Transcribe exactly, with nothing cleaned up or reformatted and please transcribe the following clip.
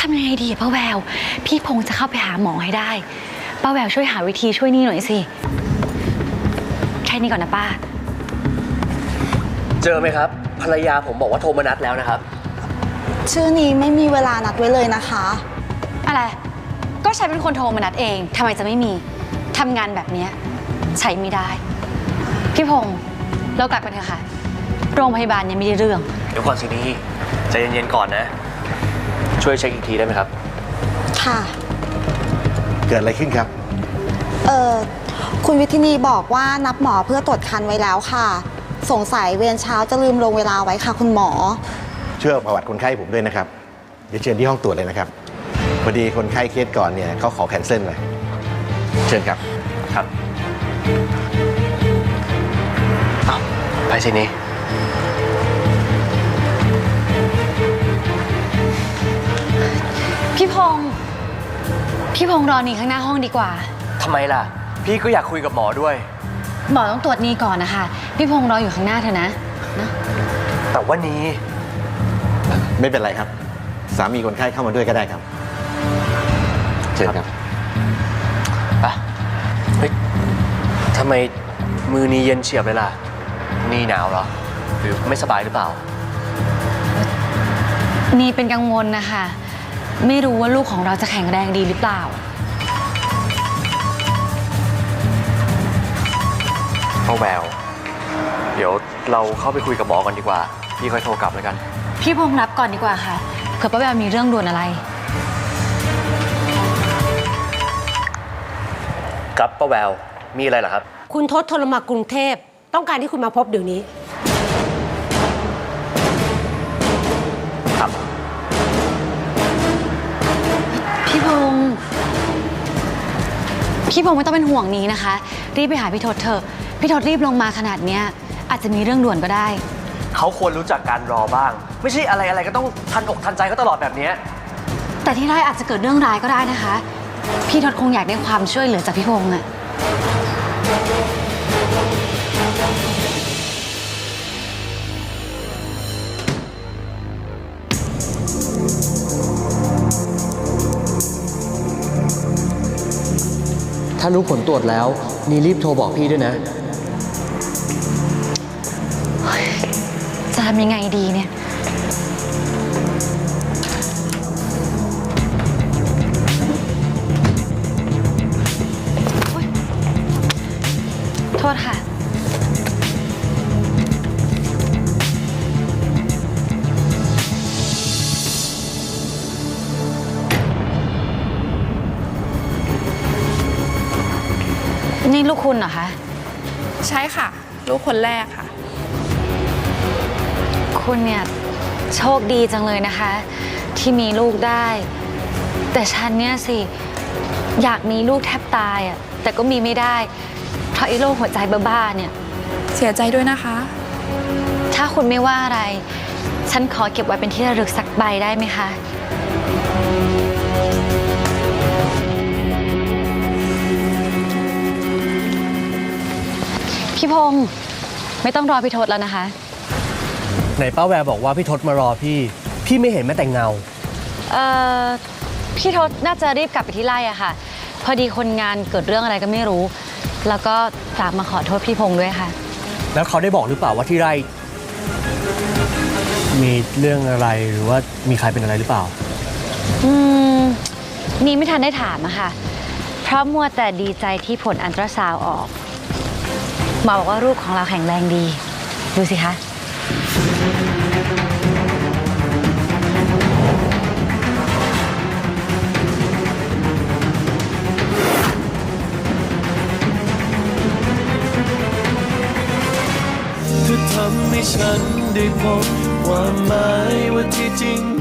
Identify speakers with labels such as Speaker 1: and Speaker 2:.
Speaker 1: ทำยังไงดีป้าแววพี่พงษ์จะเข้าไปหาหมอให้ได้ป้าแววช่วยหาวิธีช่วยนี่หน่อยสิแค่นี้ก่อนนะป้า
Speaker 2: เจอไหมครับภรรยาผมบอกว่าโทรมานัดแล้วนะครับ
Speaker 3: ชื่อนี้ไม่มีเวลานัดไว้เลยนะคะ
Speaker 1: อะไรก็ฉันเป็นคนโทรมานัดเองทำไมจะไม่มีทำงานแบบนี้ใช้ไม่ได้พี่พงษ์เรากลับกันเถอะค่ะโรงพยาบาลยังไม่ได้เรื่อง
Speaker 2: เดี๋ยวก่อนสินี่ใจเย็นๆก่อนนะช่วยเช็คอีกทีได้ไหมครับ
Speaker 3: ค่ะ
Speaker 4: เกิดอะไรขึ้นครับ
Speaker 3: เอ่อคุณวิทินีบอกว่านับหมอเพื่อตรวจคันไว้แล้วค่ะสงสัยเวรเช้าจะลืมลงเวลาไว้ค่ะคุณหมอ
Speaker 4: ช่วยประวัติคนไข้ผมด้วยนะครับเดี๋ยวเชิญที่ห้องตรวจเลยนะครับพอดีคนไข้เคสก่อนเนี่ยเขาขอแคนเซิลเลยเชิญครับ
Speaker 2: ครับไปสินี่
Speaker 1: พี่พงษ์พี่พงษ์รอนี่ข้างหน้าห้องดีกว่า
Speaker 2: ทำไมล่ะพี่ก็อยากคุยกับหมอด้วย
Speaker 1: หมอต้องตรวจนี่ก่อนนะคะพี่พงษ์รออยู่ข้างหน้าเถอะนะนะ
Speaker 2: แต่ว่านี้
Speaker 4: ไม่เป็นไรครับสามีคนไข้เข้ามาด้วยก็ได้ครับเชิญครับ
Speaker 2: ไปเฮ้ยทำไมมือนี้เย็นเฉียบเลยล่ะนี่หนาวเหรอหรือไม่สบายหรือเปล่า
Speaker 1: นี่เป็นกังวลนะคะไม่รู้ว่าลูกของเราจะแข็งแรงดีหรือเปล่า
Speaker 2: ป้าแววเดี๋ยวเราเข้าไปคุยกับหมอก่อนดีกว่าพี่ค่อยโทรกลับแล้วกัน
Speaker 1: พี่พงษ์รับก่อนดีกว่าค่ะเผื่อป้าแววมีเรื่องด่วนอะไร
Speaker 2: ครับป้าแววมีอะไรเหรอครับ
Speaker 5: คุณทศโทรมากรุงเทพต้องการที่คุณมาพบเดี๋ยวนี้
Speaker 2: ครับ
Speaker 1: พี่พงษ์พี่พงษ์ไม่ต้องเป็นห่วงนี้นะคะรีบไปหาพี่ทศเถอะพี่ทศรีบลงมาขนาดเนี้ยอาจจะมีเรื่องด่วนก็ได้
Speaker 2: เขาควรรู้จักการรอบ้างไม่ใช่อะไรอะไรก็ต้องทันอกทันใจเขาตลอดแบบนี้
Speaker 1: แต่ที่ร้ายอาจจะเกิดเรื่องร้ายก็ได้นะคะพี่ทศคงอยากได้ความช่วยเหลือจากพี่พงษ์อะ
Speaker 2: ถ้ารู้ผลตรวจแล้วนี่รีบโทรบอกพี่ด้วยนะ
Speaker 1: จะทำยังไงดีเนี่ยโทษค่ะนี่ลูกคุณเหรอคะ
Speaker 6: ใช่ค่ะลูกคนแรกค่ะ
Speaker 1: คุณเนี่ยโชคดีจังเลยนะคะที่มีลูกได้แต่ฉันเนี่ยสิอยากมีลูกแทบตายอ่ะแต่ก็มีไม่ได้เพราะไอ้โรคหัวใจบ้าๆเนี่ย
Speaker 6: เสียใจด้วยนะคะ
Speaker 1: ถ้าคุณไม่ว่าอะไรฉันขอเก็บไว้เป็นที่ระลึกสักใบได้ไหมคะพี่พงษ์ไม่ต้องรอพี่ทศแล้วนะคะ
Speaker 2: ไหนป้าแววบอกว่าพี่ทศมารอพี่พี่ไม่เห็นแม้แต่เงา
Speaker 1: เอ่อพี่ทศน่าจะรีบกลับไปที่ไร่อะค่ะพอดีคนงานเกิดเรื่องอะไรก็ไม่รู้แล้วก็ฝากมาขอโทษพี่พงษ์ด้วยค่ะ
Speaker 2: แล้วเขาได้บอกหรือเปล่าว่าที่ไร่มีเรื่องอะไรหรือว่ามีใครเป็นอะไรหรือเปล่า
Speaker 1: อืมนี่ไม่ทันได้ถามอะค่ะเพราะมัวแต่ดีใจที่ผลอัลตราซาวด์ออกหมอบอกว่าลูกของเราแข็งแรงดีดูสิคะ
Speaker 7: เธอทำให้ฉันได้พบความหมายว่าที่จริง